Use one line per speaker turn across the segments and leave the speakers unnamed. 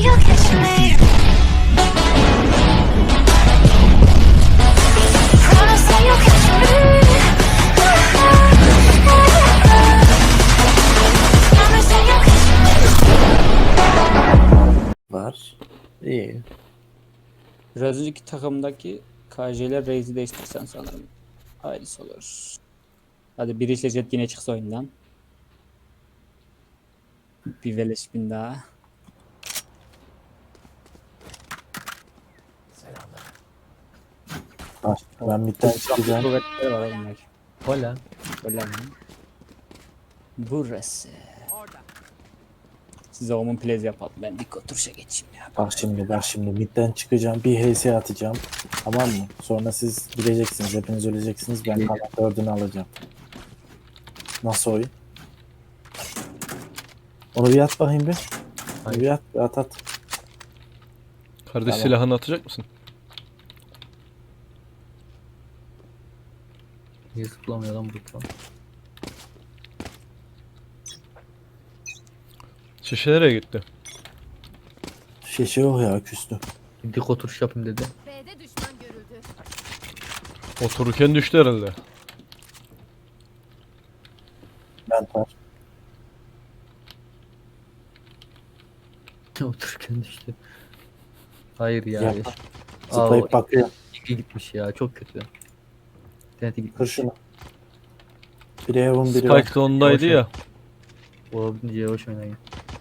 you'll catch me. Promise that you'll catch me. Promise that you'll catch me.
Var. İyi.
Biraz önceki takımdaki KJ'ler Raze'i değiştirsen sanırım hayırlısı olur. Hadi bir işle Jet yine çıksa oyundan. Bir veleş bin daha.
Var. Ben midden çıkacağım.
Kuvvetleri var oğlum belki.
Hola.
Öyle mi? Burası. Size Omen Plays yapalım. Ben dik oturuşa geçeyim ya.
Bak şimdi midden çıkacağım. Bir HS atacağım. Tamam mı? Sonra siz gideceksiniz. Hepiniz öleceksiniz. Ben kalan 4'ünü alacağım. Nasıl oyun? Onu bir at bakayım bir. Onu bir at. Bir at.
Kardeş
Tamam.
silahını atacak mısın?
Niye zıplamıyor lan bu tam?
Şişe nereye gitti?
Şişe yok ya küstü.
Bir dik oturuş yapayım dedi.
B'de düşman görüldü.
Otururken düştü herhalde.
Ben var.
Otururken düştü. Hayır ya.
Yapma.
Aa,
Zıplayıp
o
bakıyor.
İlgi gitmiş ya, çok kötü. İnternete
Kır
gitmiş.
şunu. Biri Heaven biri var.
Spike de ondaydı ya.
Olabildiğince yavaş oynayın.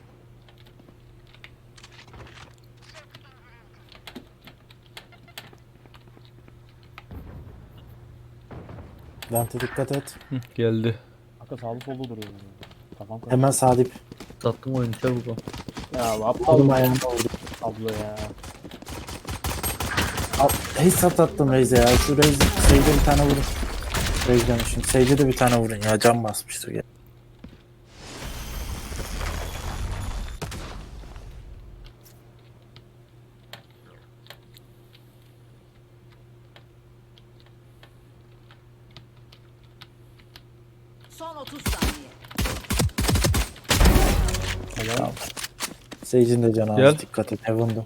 Dante dikkat et.
Hı, geldi.
Hakikaten sağlı solda duruyor. Kafam karıştı.
Hemen sağ dip.
Sattım oyunu çabuk ol.
Ya bu aptal
Kolum
mı
ayağına vurdu.
ablo ya.
Headshot attım Raze'e ya. Şu Raze Sage'e bir tane vurun. Raze demişim. Sage'e de bir tane vurun ya. Can basmıştır ya.
Son 30 saniye.
Helal.
Sage'in de canı
Gel.
az. Dikkat et. Heaven'da.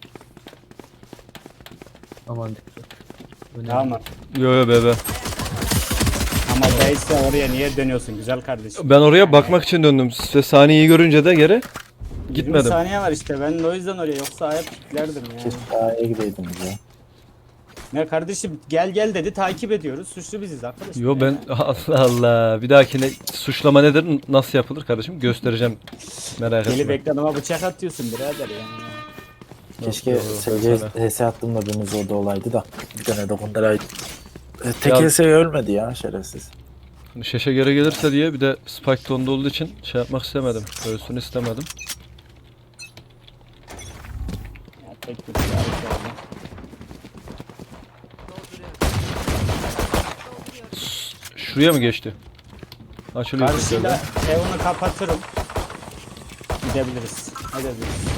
Aman dikkat. Önemli.
Tamam.
Yo yo bebe.
Ama değilse oraya niye dönüyorsun güzel kardeşim?
Ben oraya bakmak için döndüm. Size saniyeyi görünce de geri
20
gitmedim.
saniye var işte ben de o yüzden oraya yoksa ayak piklerdim yani.
Keşke A'ya gideydiniz ya.
Ne kardeşim gel gel dedi takip ediyoruz suçlu biziz arkadaşım.
Yo ben Allah Allah. Bir dahakine suçlama nedir? Nasıl yapılır kardeşim? Göstereceğim. Merak
Gelip
etme.
ekranıma bıçak atıyorsun birader yani.
Keşke
Yok,
Sage'e
sana.
HS attığımda biriniz orada olaydı da. Bir tane dokunduraydı. Tek
Ya-
HS ölmedi ya şerefsiz.
Hani şişe geri gelirse diye bir de Spike de onda olduğu için şey yapmak istemedim. Ölsün istemedim.
Ya tek bir şey oldu.
Şuraya mı geçti? Açılıyor.
Karşıyla evini kapatırım. Gidebiliriz. Gidebiliriz.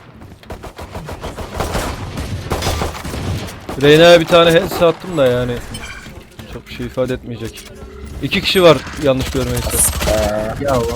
Reyna'ya bir tane headset attım da yani çok bir şey ifade etmeyecek. 2 kişi var yanlış görmeyse.
Ya lan.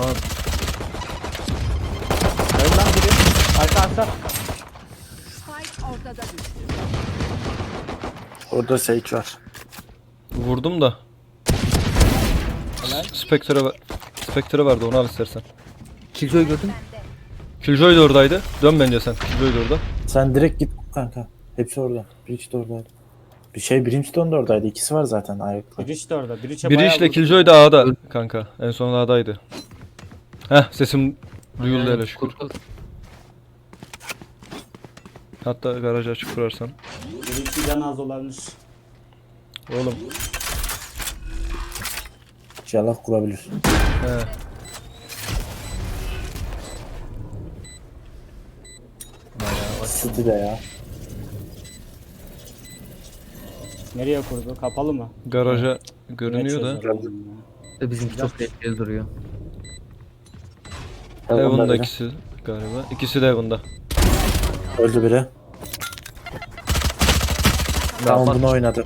Önden biri. Arka.
Spike ortada düştü.
Orada Sage var.
Vurdum da.
Helal.
Spectre vardı onu al istersen.
Killjoy gördün?
Killjoy da oradaydı. Dön bence sen. Killjoy da orada.
Sen direkt git kanka. Hepsi orada. Breach de oradaydı. Brimstone da oradaydı. İkisi var zaten ayakta.
Biri işte orada. Biri
Biri işte Killjoy da A'da kanka. En son A'daydı. Heh sesim duyuldu hele şükür. Hatta garajı açık kurarsan.
Biri iki can az olabilir.
Oğlum.
İnşallah kurabilir.
He.
City de ya.
Nereye kurdu? Kapalı mı?
Garaja görünüyor da.
Bizimki çok tehlikeli duruyor.
Heaven'da
Heaven'da
biri.
ikisi galiba. İkisi de Heaven'da.
Öldü biri. Tamam
bak-
bunu oynadı.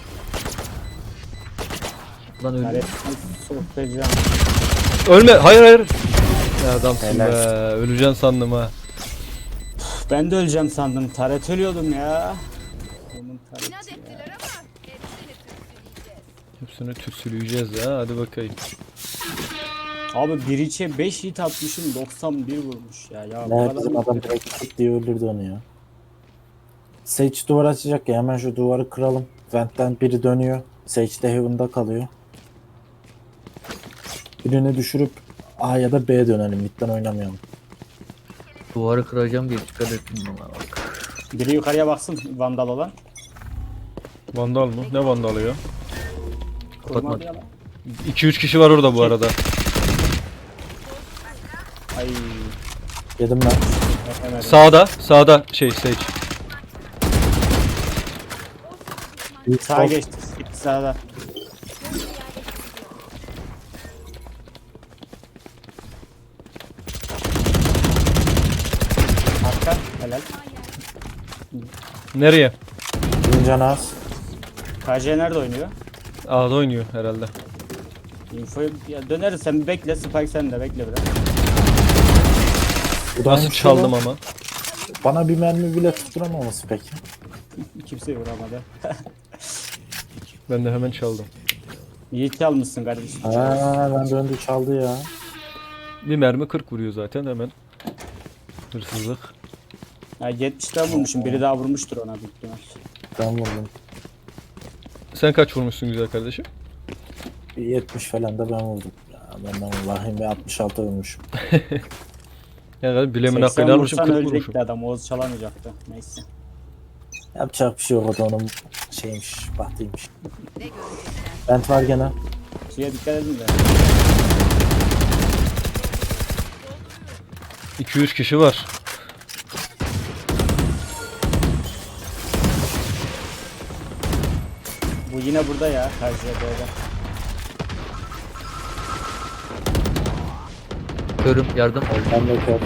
Lan öyle.
Yani sokacağım.
Ölme. Hayır hayır. Ya adamsın
Helal.
be. Öleceksin sandım ha.
Ben de öleceğim sandım. Taret ölüyordum ya. Onun tareti
İnat
ya.
ettiler ama hepsini tütsüleyeceğiz.
Hepsini tütsüleyeceğiz ya. Hadi bakayım.
Abi bir içe 5 hit atmışım 91 vurmuş ya. Ya bu
Ne
kadar
bizim
mı?
adam direkt tık diye öldürdü onu ya. Sage duvar açacak ya, hemen şu duvarı kıralım. Vent'ten biri dönüyor. Sage de Heaven'da kalıyor. Birini düşürüp A ya da B'ye dönelim. Mid'den oynamayalım.
Duvarı kıracağım diye dikkat ettim bana bak.
Biri yukarıya baksın vandal olan.
Vandal mı? Ne vandalı ya?
Kurmadı ya lan.
2-3 kişi var orada bu arada.
Ay.
Yedim ben.
Hemen.
Sağda. Sağda şey Sage.
Sağa geçti. Gitti sağda. Arka. Helal.
Nereye?
Birinci canı az.
KJ nerede oynuyor?
A'da oynuyor herhalde.
Infoyu ya döneriz, sen bir bekle. Spike sen de bekle biraz.
Bu da
Nasıl
aynı
çaldım
şey
ama.
lan. Bana bir mermi bile tutturamaması peki.
Kimse vuramadı.
Ben de hemen çaldım.
Yiğit almışsın kardeşim.
Ben döndü çaldı ya.
Bir mermi 40 vuruyor zaten hemen. Hırsızlık.
Ya 70'ten vurmuşum. Biri daha vurmuştur ona büyük ihtimal.
Ben vurdum.
Sen kaç vurmuşsun güzel kardeşim?
Bir 70 falan da ben vurdum. Ya benden vahim ve 66 vurmuşum.
Yani bilemin
80
hakkını almışım,
vursan
40 vurmuşum.
ölecekti adam. Oğuz çalamayacaktı. Neyse.
Yapacak bir şey yok, o da onun şeymiş, bahtıymış.
Ne görecekler?
Vent var gene.
Şuraya dikkat edin de.
2-3 kişi var.
Bu yine burada ya. Karşıya böyle.
Körüm yardım.
Ben de kör.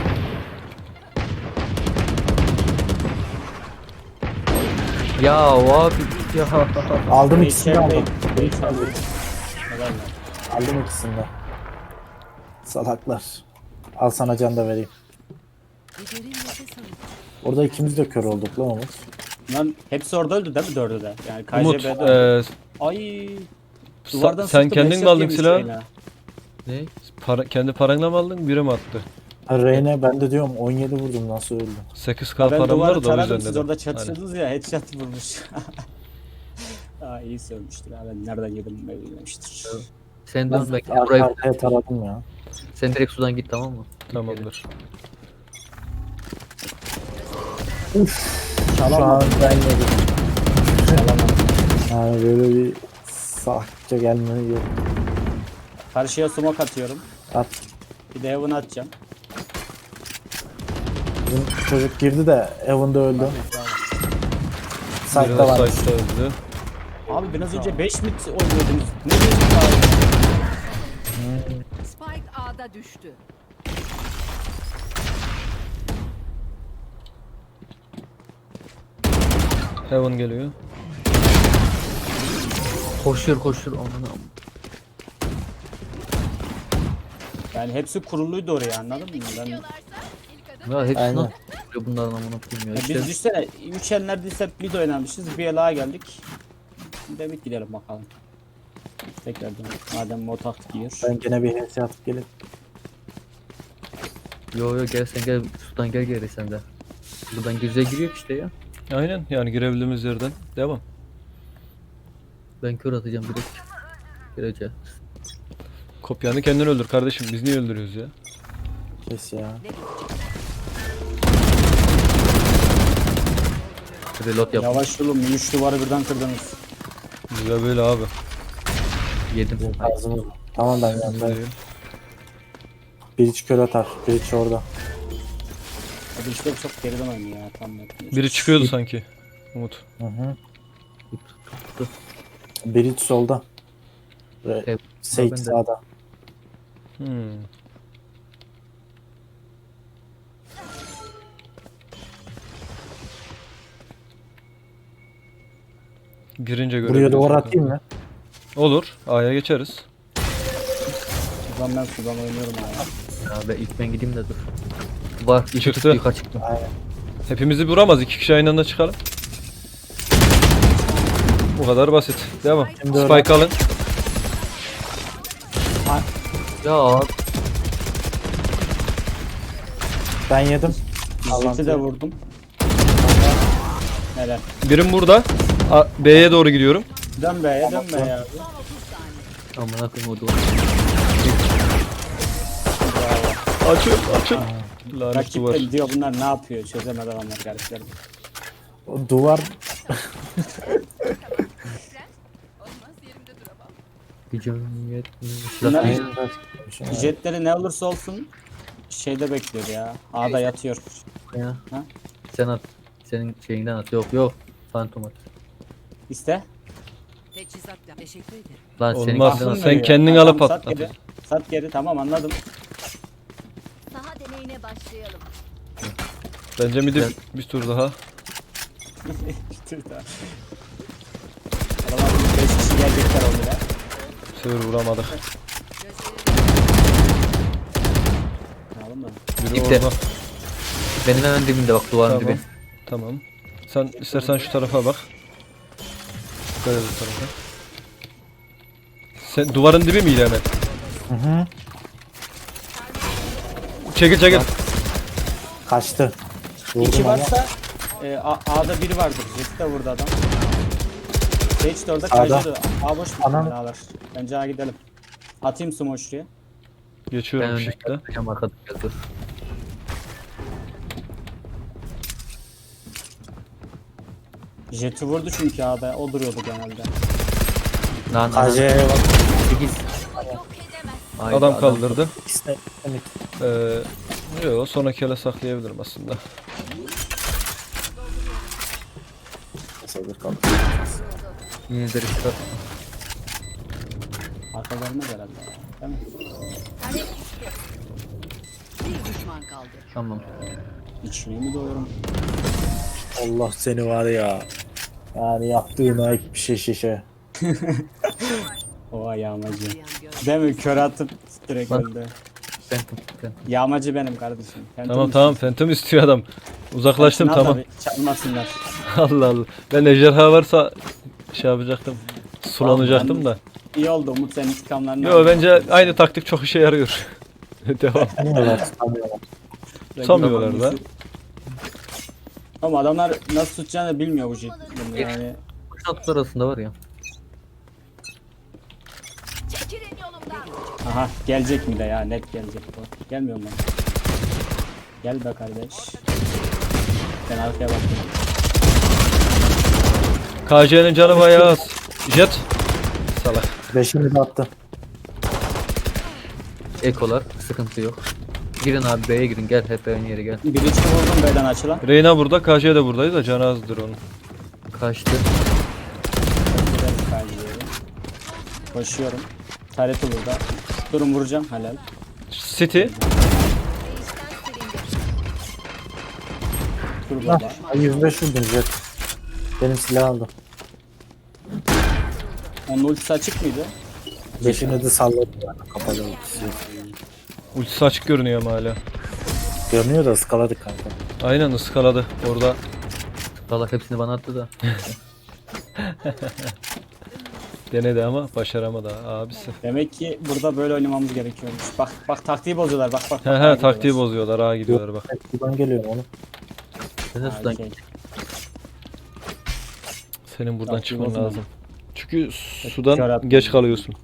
Ya abi ya.
Aldım ikisini de aldım.
Helal lan.
Aldım ikisini de. Salaklar. Al sana can da vereyim.
Bir derin nefes alın.
Orada ikimiz de kör olduk lan Umut.
Lan hepsi orada öldü değil mi? Dördü de. Yani
Umut,
KJB'de öldü. Ay. Duvardan
sen
sıktım,
kendin mi
headshot
aldın
yemiş
silahı?
Reyna.
Ne?
Kendi paranla mı aldın? Biri mi attı?
Reyne ben de diyorum 17 vurdum, nasıl öldü?
8k
Ya ben
param
duvarı
var da o
taradım,
yüzden
siz
dedim.
orada
Hani.
çatışıyordunuz ya, headshot vurmuş. Aa, iyi sövmüştür ha, ben nereden yedim bilmemiştir.
Sen
Ben
dön ben burayı.
arkaya taradım ya.
Sen direkt sudan git tamam mı?
Tamamdır.
Şu
Çalamadım.
an ben yedim.
Çalamadım.
Yani böyle bir salakça gelmeyi yok.
Karşıya smoke atıyorum.
At.
Bir de heaven atacağım.
Bizim çocuk girdi de Evan'da öldü.
Biri
Site'da
de
var.
site'da öldü.
Abi biraz önce 5 mid oynuyordunuz. Ne diyorsun abi?
Spike A'da düştü.
Heaven geliyor.
Koşuyor ondan.
Yani hepsi kuruluydu oraya, anladın mı? Ben, ya
Ya hepsi
Aynen.
nasıl oluyor bunların amına koyayım ya.
biz
İşte
düşsene 3 el neredeyse mid oynamışız. Bir el A geldik. Bir de mid gidelim bakalım. Tekrardan madem motak diyor.
Ben gene bir HS atıp gelip
yo gel sen gel sudan gel sen de. Buradan giriyor işte ya.
Aynen yani girebildiğimiz yerden devam.
Ben kör atacağım direkt. Gireceğim.
Kopyanı kendin öldür kardeşim. Biz niye öldürüyoruz ya?
kes ya.
Reload yap.
Yavaş oğlum, 3 duvarı birden kırdınız.
Güzel böyle abi.
Yedim.
Ağzımız. Tamam ben yanındayım.
Güzel.
Bir iç kör atar. Bir iç orada.
Hadi işte çok geriden oynuyor ya, tam yapmıyor.
Biri çıkıyordu sanki. Umut.
Hı hı. Bir iç solda.
Evet,
Sage
ben de.
sağda.
Hmm. Girince
Buraya
görebiliriz
duvar
bakalım.
atayım mı?
Olur. A'ya geçeriz.
Sudan oynuyorum abi.
Ya ben ilk ben gideyim de dur. Var iki
Çıktı.
çıktı yukarı çıktım.
Aynen.
Hepimizi vuramaz. 2 kişi aynı anda çıkalım. Bu kadar basit. Devam.
Şimdi
Spike alın.
Ya
Ben yedim.
Jet'i de vurdum. Helal.
Birim burada. B'ye doğru gidiyorum.
Dön B'ye dön B'ye abi.
amına koyayım o da.
Açın açın. Lanet
Rakip
duvar.
de diyor bunlar ne yapıyor çözemedi adamlar gariplerim.
O duvar
Gücüm yetmiyor.
Bunlar
Silah
jetleri ne olursa olsun şeyde bekliyor ya. A'da yatıyor.
ya.
Ha?
Sen at. Senin şeyinden at. Yok yok. Phantom at.
İste.
Teçhizatla. Teşekkür ederim.
Lan
Olmaz.
seninkinden at.
Sen
Veriyor.
kendin
Tamam,
alıp
sat
at.
geri. Sat geri tamam anladım.
Saha deneyine başlayalım.
Bence midi
Güzel.
bir tur daha.
Adamlar 5 kişi gelecekler oldu ya.
Bu sefer vuramadık.
Anladın mı?
Biri
İpte.
orada.
Benim hemen dibimde bak duvarın
Tamam.
dibi.
Tamam. Sen istersen şu tarafa bak. Dikkat et bu tarafa. Sen duvarın dibi miydi hemen?
hı.
Çekil çekil.
Kaçtı. Vurdum
2
ama
varsa A'da biri vardır. Jet de vurdu adam. Sage de orada
A'da.
kaydı. A boş bir
Anam.
A'lar. Bence A gidelim. Atayım sumo şuraya.
Ben
Geçiyorum
önüne
shift'le.
yapacağım arkada gel dur.
Jet'i vurdu çünkü A'da. O duruyordu genelde.
Lan
KC'ye bak.
8.
Adam kaldırdı.
İşte, evet.
Yok sonraki ele saklayabilirim aslında.
Sayılır kaldı.
Yine de risk at.
Arkalarına herhalde ya. Değil mi?
Bir düşman kaldı.
Tamam.
İçliği mi doyurum?
Allah seni var ya. Yani yaptığına ek bir şey şişe.
O yağmacı.
Duyan göz.
Değil mi? Kör atıp direkt
Bak.
öldü.
Phantom.
Yağmacı benim kardeşim. Phantom
Tamam
misin?
tamam Phantom istiyor adam. Uzaklaştım
Hepsini al
tamam.
tabii, çalmasınlar.
Allah Allah. Ben ejderha varsa şey yapacaktım. Sulanacaktım da.
İyi oldu Umut senin intikamlarını
Yo bence aynı taktik çok işe yarıyor. Devam.
Tutamıyorlar, tutamıyorlar.
Tutamıyorlar da.
Ama adamlar nasıl tutacağını bilmiyor bu bunu yani.
Kuş atlar arasında var ya.
Çekilin yolumdan.
Aha gelecek mi de ya net gelecek bu. Gelmiyor mu? Gel be kardeş. Ben arkaya bakıyorum.
KC'nin canı bayağı az. Jet. Salak.
5'ini de attı.
Ekolar. Sıkıntı yok. Girin abi B'ye girin gel hep aynı yere gel.
Bir içki vurdum B'den açılan.
Reyna burada, KC de buradaydı da canı azdır onun.
Kaçtı.
Gidelim kaydediyorum. Koşuyorum. Tareti burada. Durun vuracağım helal.
City.
Dur
Hah,
burada.
105 vurdun Jet. Benim silah aldım.
Onun ultisi açık mıydı?
5'ini de salladım yani kapalı ultisi.
Ultisi açık görünüyor ama hala.
Görünüyor da ıskaladık kanka.
Aynen ıskaladı orada.
Salak hepsini bana attı da.
Denedi ama başaramadı abisi.
Demek ki burada böyle oynamamız gerekiyormuş. Bak bak taktiği bozuyorlar bak bak.
He
bak,
he
A'ya
taktiği
gidiyorlar.
bozuyorlar, ağa gidiyorlar bak.
Evet, buradan geliyorum onu.
Sen de
Ha,
sudan
okey.
Senin buradan
Taktiği
çıkman
bozma.
lazım. Çünkü
Kör
sudan
attım.
geç kalıyorsun.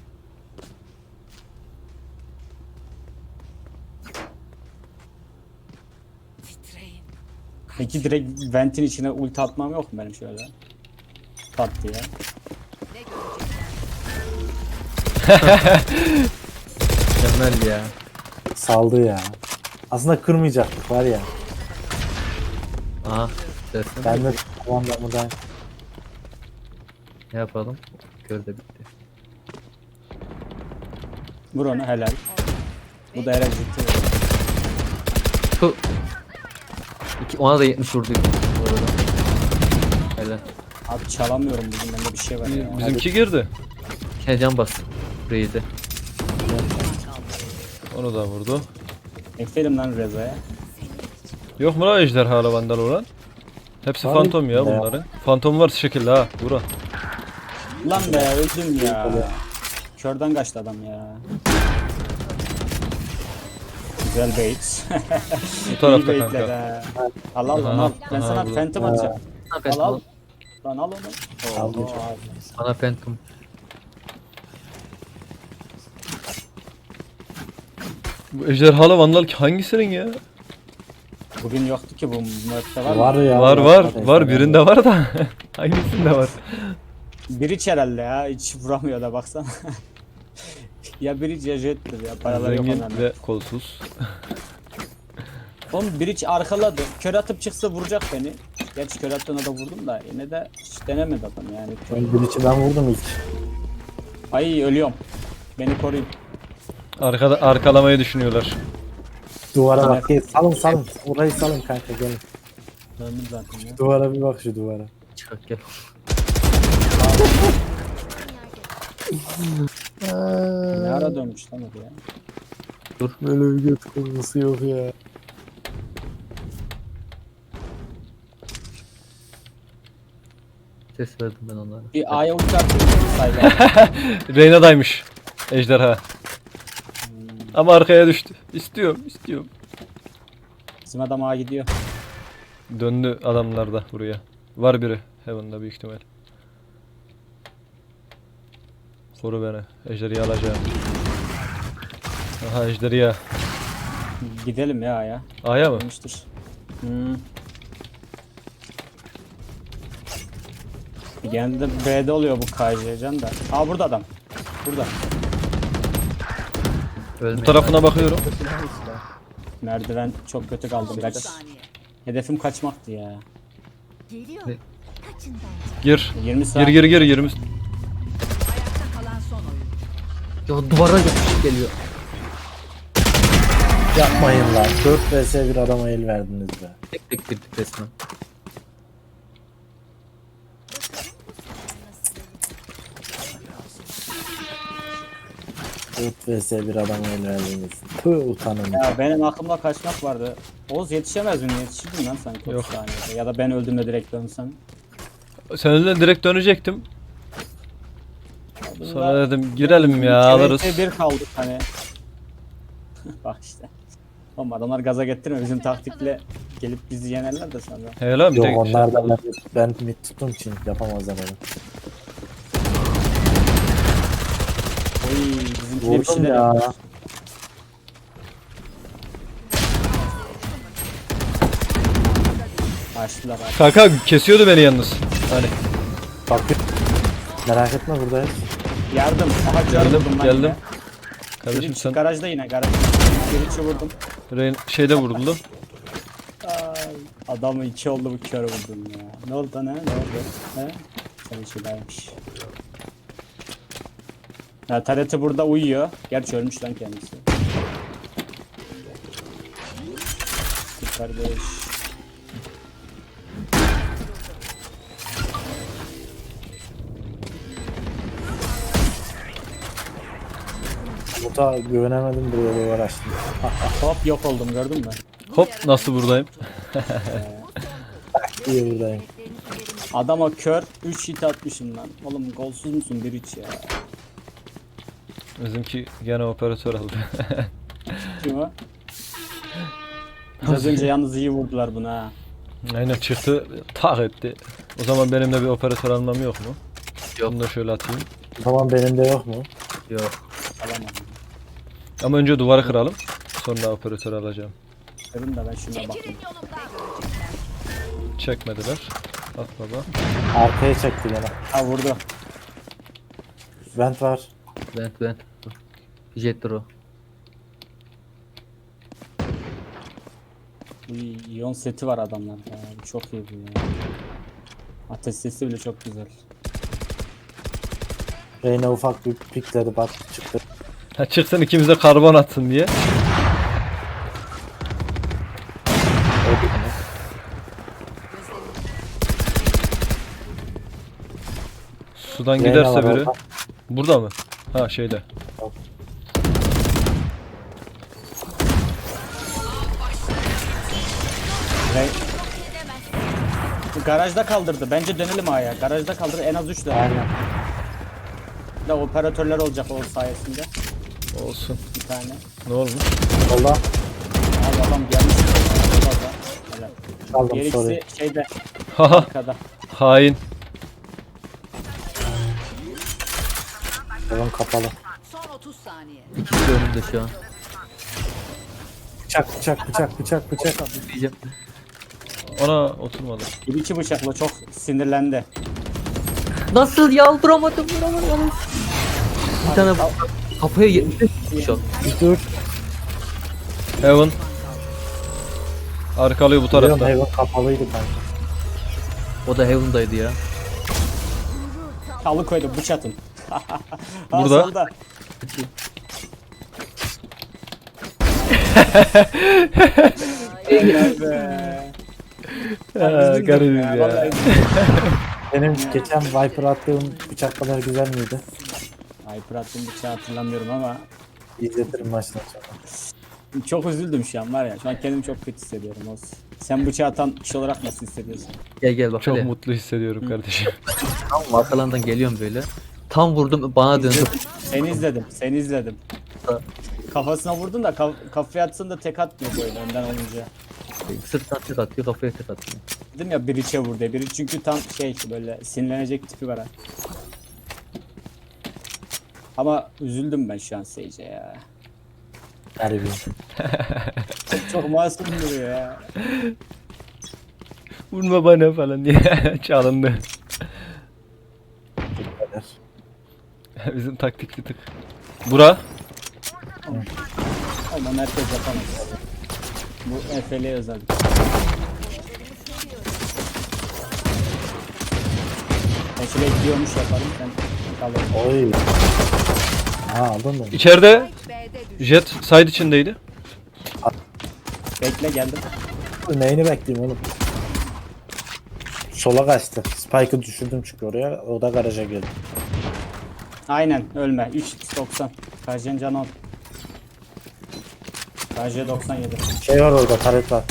Titreyin.
Peki direkt ventin içine ulti atmam yok mu benim şöyle? Pat diye.
Ne görecekler?
mükemmel ya.
Saldı ya. Aslında kırmayacaktık var ya.
Aha. Dersin.
Ben de tamam ben buradan.
Ne yapalım? Kör de bitti.
Vur onu helal. Bu da herhalde ciddi.
Tu. Ona da 70 vurdu. Bu arada. Helal.
Abi çalamıyorum bugün bende bir şey var ya.
Bizimki girdi.
İçine can bas. Reis'e.
Onu da vurdu.
Ekledim lan Reza'ya.
Yok mu lan ejderhalı vandal olan? Hepsi
Var
fantom ya
mı?
bunların. Fantom var şekilde ha. Bura.
Lan be öldüm ya. Körden kaçtı adam ya. Güzel bait.
Bu tarafta
İyi baitler
kanka.
ha. Al al
Aha,
al. Ben
aha,
sana
burada.
phantom atacağım.
Bana
Al
Phantom.
al. Lan al onu.
Al
Oo,
diyeceğim.
abi.
Bana Phantom.
Bu ejderhalı vandal hangisinin ya?
Bugün yoktu ki bu map'te var mı?
Var ya.
Var birinde var da hangisinde var?
Biriç herhalde ya. Hiç vuramıyor da baksana. Ya Biriç ya Jet'tir ya. Paraları yok
Zengin
onların.
ve kolsuz.
Oğlum Biriç arkaladı. Kör atıp çıksa vuracak beni. Gerçi kör attığına da vurdum da yine de hiç denemedi adam yani.
Ben bir içi ben vurdum ilk.
Ay ölüyorum. Beni koruyun.
Arkada arkalamayı düşünüyorlar.
Duvara bak. Gel, salın. Orayı salın kanka gelin.
Döndüm zaten ya.
Duvara bir bak şu duvara.
Çıkart gel.
Ne ara dönmüş lan oraya?
Böyle bir göt kurgusu yok ya.
Ses verdim ben onlara.
Bir A'ya ulti attım. Sayla.
Reyna'daymış ejderha. Ama arkaya düştü. İstiyorum.
Bizim adam A gidiyor.
Döndü adamlar da buraya. Var biri Heaven'da büyük ihtimal. Koru beni. Ejderiyi alacağım. Aha ejderiya.
Gidelim ya A'ya.
A'ya mı?
Dönmüştür. Genelde B'de oluyor bu KJ can da. Aa burada adam. Burada.
Ölmeyin.
Bu tarafına bakıyorum.
Merdiven çok kötü kaldım. Kaç.
Saniye.
Hedefim kaçmaktı ya.
Geliyor.
Ne?
Kaçın bence.
Gir.
20 saat.
Gir 20.
Ayakta kalan son oyun.
Ya duvara yapışık geliyor.
Yapmayın lan. 4 vs 1 adama el verdiniz be.
Tek tek girdik resmen.
Dört vs 1 adama el verdiniz. Tüh utanın.
Ya benim aklımda kaçmak vardı. Oğuz yetişemez mi? Yetişirdin lan sanki 30
Yok.
saniyede. Ya da ben öldüğümde direkt dönsem.
Seninle direkt dönecektim. Sonra dedim girelim ya alırız.
Bir kaldık hani. Bak işte. Oğlum adamlar gaza getirme bizim taktikle gelip bizi yenerler de sonra.
He lan bir
Yok
tek
onlar da ben mid tuttum için yapamazlar onu.
Oy bizimkine bir
Vurdum
şeyler
ya.
yapmış. Açtılar abi.
Kanka kesiyordu beni yalnız. Hani
Bak merak etme buradayız.
Yardım. Aha canım
geldim
vurdum lan
geldim.
yine.
Kardeşim
Biri
sen
garajda yine garaj. Biri vurdum.
şeyde vuruldu.
Ay, adamı 2 oldu bu kör vurdum ya. Ne oldu lan ha? Ne oldu? He? Sen şeylermiş. Ya TRT burada uyuyor. Gerçi ölmüş lan kendisi. Kardeş.
Muta güvenemedim buraya bir uğraştım.
Hop yok oldum gördün mü?
Hop nasıl buradayım?
İyi buradayım.
Adama kör 3 hit atmışım lan. Oğlum golsüz müsün bir iç ya?
Bizimki gene operatör aldı.
Kim o? Biraz önce yalnız iyi vurdular buna ha.
Aynen çıktı tak etti. O zaman benim de bir operatör almam yok mu?
Yok.
Bunu da şöyle atayım.
O zaman benim de yok mu?
Yok.
Alamadım.
Ama önce duvarı kıralım. Sonra operatör alacağım.
Dedim de ben şuna bakayım.
Çekilin yolumdan.
Çekmediler. At baba.
Arkaya çekti gene.
Ha vurdu.
Vent var.
Vent. Jetro.
Uy, iyon seti var adamlarda ya. Bu çok iyi bu ya. Ateş sesi bile çok güzel.
Reyna ufak bir pikledi bak çıktı.
Ha çıksın ikimiz de karbon atsın diye. Sudan
Reyna
giderse
var
biri.
orada.
Burada mı? Ha şeyde.
Garajda kaldırdı. Bence dönelim A'ya. Garajda kaldır en az 3 tane.
Aynen.
Da operatörler olacak o sayesinde.
Olsun.
Bir tane.
Ne olmuş?
Solda
Abi adam gelmiş. Helal.
kaldım
Diğer
sorry.
ikisi şeyde
Haha.
arkada.
Hain.
Heaven kapalı.
Son 30 saniye.
İkisi de önümde şu an.
Bıçak.
Diyeceğim.
Ona oturmadı.
Bir iki bıçakla çok sinirlendi.
Nasıl ya? Vuramadım. Bir tane kafaya 75 şu an.
Bir dur.
Heaven. Arkalıyor bu
Biliyorum
tarafta.
Heaven kapalıydı kanka.
O da Heaven'daydı ya.
Alıkoydu bıçatın.
Burada.
Solda. Helal be.
Ha, garibim ya.
Vallahi
Benim geçen Viper attığım bıçak kadar güzel miydi?
Hyper attığım bıçağı hatırlamıyorum ama
İzletirim maçtan sonra.
çok üzüldüm şu an var ya. Şu an kendimi çok kötü hissediyorum olsun. Sen bıçağı atan kişi olarak nasıl hissediyorsun?
Gel bak
Çok
hele.
mutlu hissediyorum kardeşim.
Tam arkalarından geliyorum böyle. Tam vurdum bana döndü.
Seni izledim. Kafasına vurdun da kafaya atsın da tek atmıyor böyle önden olunca.
Sırttan tek atıyor kafaya tek atıyor.
Dedim ya biri içe vurdu. Biri çünkü tam şey böyle sinirlenecek tipi var ha. Ama üzüldüm ben şu an Sage'e ya.
Garibim.
Çok masum duruyor ya.
Vurma bana falan diye çalındı.
Kadar.
Bizim taktik bir tık. Bura.
Ama merkez yapamaz. Bu Efe'liye özel. Efe'liye gidiyormuş yaparım sen kalır.
Oy. Ha aldın mı?
İçeride
B'de düştü.
Jet side içindeydi.
Bekle geldim.
Neyini bekleyeyim oğlum? Sola kaçtı. Spike'ı düşürdüm çünkü oraya. O da garaja geldi.
Aynen ölme. 3x90. Kajen can 10. KJ 97.
Şey var orada, taret var.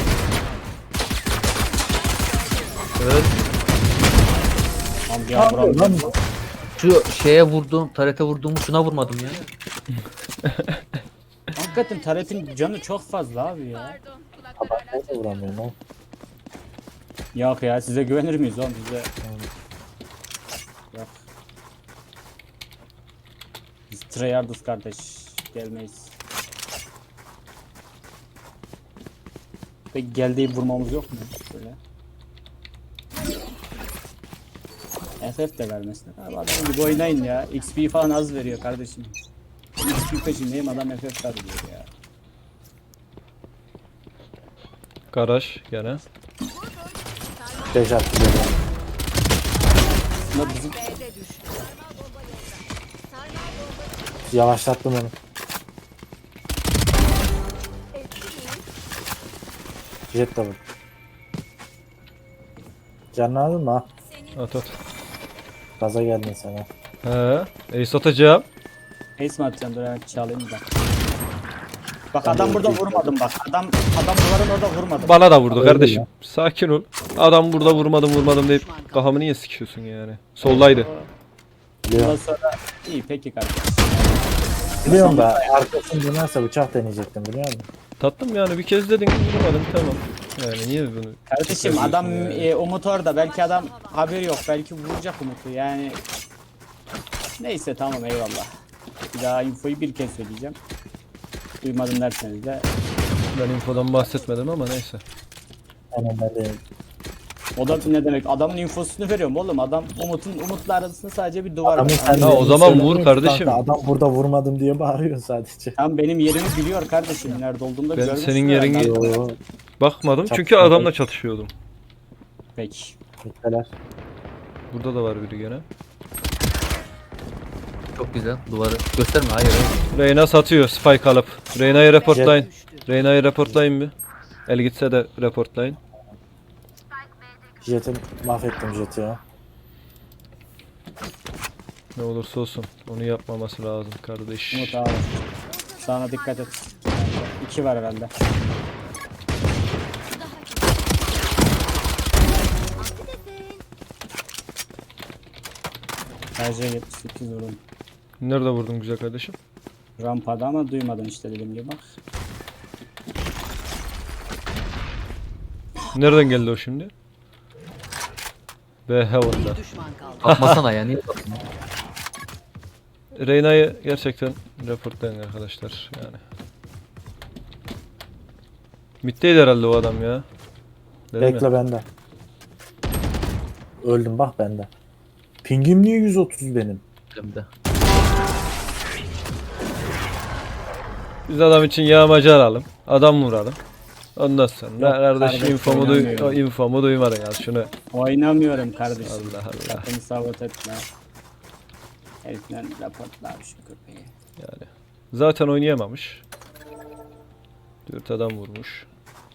Evet.
Tamam ya buram.
Lan
Şu şeye vurduğum, tarete vurduğum şuna vurmadım ya.
Hakikaten Taret'in canı çok fazla abi ya.
ben de vuramıyorum oğlum.
Yok ya size güvenir miyiz oğlum bize? Yok. Biz tryhardız kardeş. Gelmeyiz. Peki geldiği vurmamız yok mu? Böyle. FF de vermesin. Abi adam gibi oynayın ya. XP falan az veriyor kardeşim. XP peşindeyim adam FF veriyor ya.
Garaj gene.
5 attı böyle.
Ama bizim
B'de düştü.
Yavaşlattım onu. Jet de vur. Canını aldın mı ha?
At at.
Gaza geldin sana.
He. Ace atacağım.
ace mi atacağım? Dur evet çalayım da. Bak adam burada vurmadım bak. Adam duvarın orada vurmadım.
Bana da vurdu
Öyle
kardeşim.
ya.
Sakin ol. Adam burada vurmadım deyip kafamı niye sikiyorsun yani? Soldaydı.
Bundan
Biliyorum.
sonra iyi peki kardeş.
Biliyorum da arkasını dönerse bıçak deneyecektim biliyor musun?
Tattım yani bir kez dedin vurmadım tamam. Yani niye bunu?
Kardeşim
tekrar
adam
diyorsun yani?
Umut orada. Belki adam haberi yok. Belki vuracak Umut'u yani. Neyse tamam eyvallah. Bir daha infoyu bir kez söyleyeceğim. Duymadım derseniz de.
Ben infodan bahsetmedim ama neyse.
Aynen ben de.
O da ne demek? Adamın infosunu veriyorum oğlum. Adam Umut'la arasında sadece bir duvar var.
Adamın sen
Ya o zaman vur kardeşim.
Adam burada vurmadım diye bağırıyor sadece.
Tam benim yerimi biliyor kardeşim. Nerede olduğumu da
Ben
görmüşsün
senin
herhalde.
yerini-
Yo,
Bakmadım çünkü
Çatışmadım.
adamla çatışıyordum.
Peki.
Bitteler.
Burada da var biri gene.
Çok güzel. Duvarı. Gösterme hayır.
Reyna satıyor spike alıp. Reyna'yı reportlayın.
Düştü.
Reyna'yı reportlayın bir. El gitse de reportlayın.
Jet'i mahvettim Jet'i ya.
Ne olursa olsun onu yapmaması lazım kardeş.
Umut abi. Sana dikkat et. 2 var herhalde. Sadece 78 vurdum.
Nerede vurdun güzel kardeşim?
Rampada ama duymadın işte dediğim gibi bak.
Nereden geldi o şimdi? B Heaven'da.
Bir düşman kaldı.
Bakmasana ya niye bakıyorsun?
Reyna'yı gerçekten reportlayın arkadaşlar yani. Mid'deydi herhalde o adam ya. Dedim ya.
Bekle bende. Öldüm bak bende. Pingim niye 130 benim?
Elimde.
Biz adam için yağmacı alalım. Adam vuralım. Ondan sonra
Yok,
kardeş
kardeş, oynamıyorum.
infomu duymadın ya şunu.
Oynamıyorum kardeşim.
Allah Allah.
Sakın sabote etme. Herifler raportlar şu köpeği.
Yani zaten oynayamamış. 4 adam vurmuş.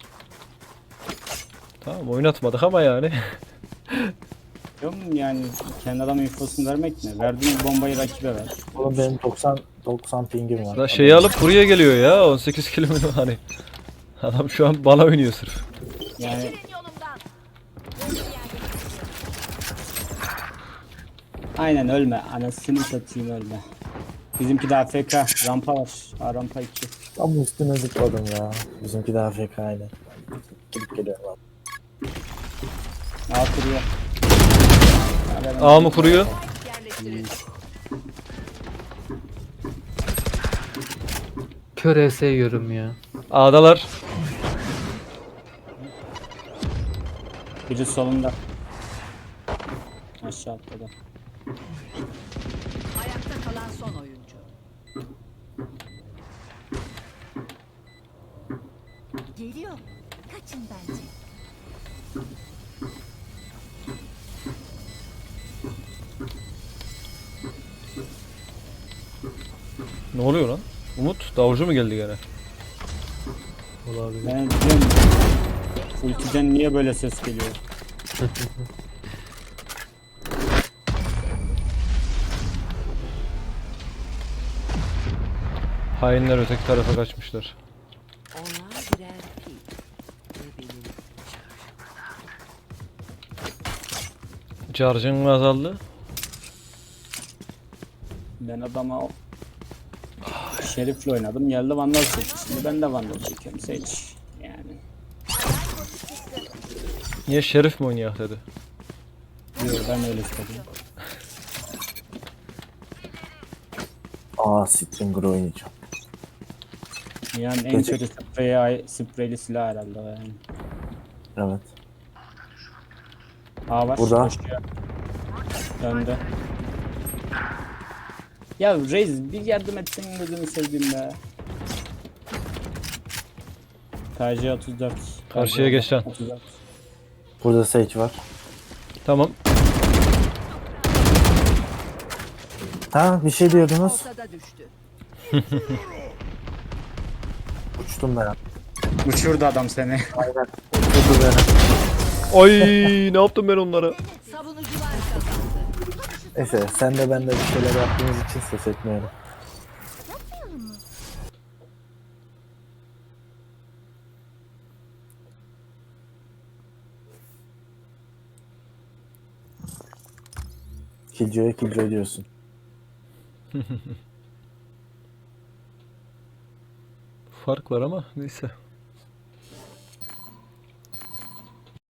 Tamam oynatmadık ama yani.
Yok mu yani kendi adam infosunu vermek mi? Verdiğin bombayı rakibe ver.
Oğlum benim 90 pingim var.
Da şeyi alıp buraya geliyor ya 18 kilometre hani. Adam şu an bana oynuyor sırf.
Yani aynen ölme. Anasını satayım ölme. Bizimki de AFK. Rampa var. Ha, rampa 2.
Tam üstüne zıpladım ya. Bizimki daha FK aynı. Gidip geliyorum abi.
A kuruyor.
A mı kuruyor?
Yerleştirildi.
Kör ES yiyorum ya.
A'dalar.
Biri solunda. Aşağı atladı.
Ayakta kalan son oyuncu.
Geliyor. Kaçın bence.
Ne oluyor lan? Umut davulcu mu geldi gene?
Olabilir.
Ben diyorum. Ultiden niye böyle ses geliyor?
Hainler öteki tarafa kaçmışlar.
Onlar birer pil. Ve benim
Charge'ın mı azaldı?
Ben adama Şerif'le oynadım. Geldi Vandal çekti. Şimdi ben de Vandal çekiyorum. Seç. Yani.
Niye Şerif mi oynayak dedi.
Diyor ben öyle istedim.
Aa Stinger oynayacağım.
Yani en
Gerçek-
kötü spreyli silah herhalde o yani.
Evet.
A var.
Burada.
Koşuyor. Döndü. Ya Reis bir yardım etsen gözünü seveyim be. KJ 34.
Karşıya geç lan.
34.
Burada Sage var.
Tamam.
Ha bir şey diyordunuz.
ortada düştü.
Uçtum ben.
Uçurdu adam seni.
Aynen. Uçurdu beni.
Ay ne yaptım ben onlara?
Savunucular kazandı.
Neyse sen de ben de bir şeyler yaptığımız için ses etmiyorum.
Yapmayalım mı?
Killjoy'a diyorsun.
Fark var ama neyse.